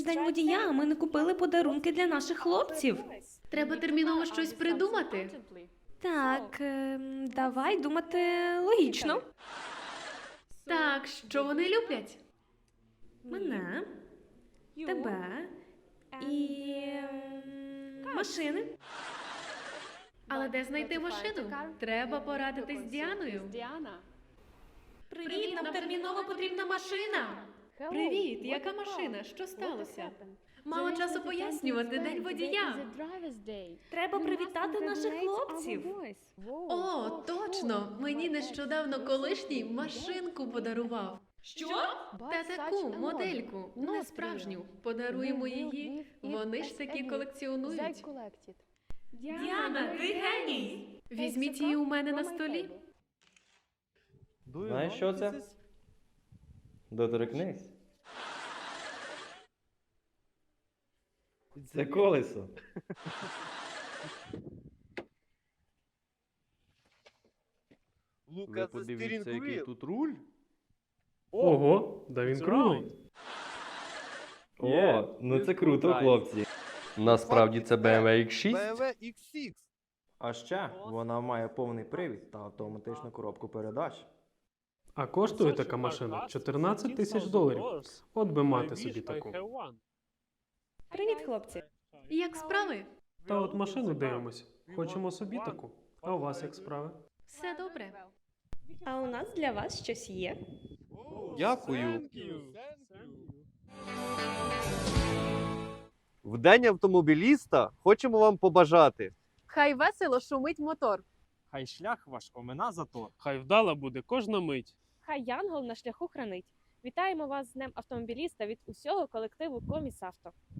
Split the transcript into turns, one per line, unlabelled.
день водія, а ми не купили подарунки для наших хлопців.
Треба терміново щось придумати.
Так, давай думати логічно.
Так, що вони люблять?
Мене, тебе і машини.
Але де знайти машину? Треба порадитись з Діаною.
Привіт, нам терміново потрібна машина.
Привіт, яка машина? Що сталося? Мало часу пояснювати, день водія.
Треба привітати наших хлопців.
О, точно! Мені нещодавно колишній машинку подарував.
Що?
Та таку модельку, не справжню. Подаруємо її. Вони ж такі колекціонують.
Діана, ти геній!
Візьміть її у мене на столі.
Знаєш, що це? Доторкнись. Це колесо.
Ви подивіться, який тут руль.
Ого, да він круглий.
О, ну це круто, хлопці.
Насправді це BMW X6.
BMW X6.
А ще вона має повний привід та автоматичну коробку передач.
А коштує така машина 14 тисяч доларів. От би мати собі таку.
Привіт, хлопці.
Як справи?
Та от машину дивимось. Хочемо собі таку. А у вас як справи?
Все добре.
А у нас для вас щось є.
Дякую. В день автомобіліста хочемо вам побажати.
Хай весело шумить мотор.
Хай шлях ваш омина затор.
Хай вдала буде кожна мить.
Хай Янгол на шляху хранить. Вітаємо вас з Днем автомобіліста від усього колективу Комісавто.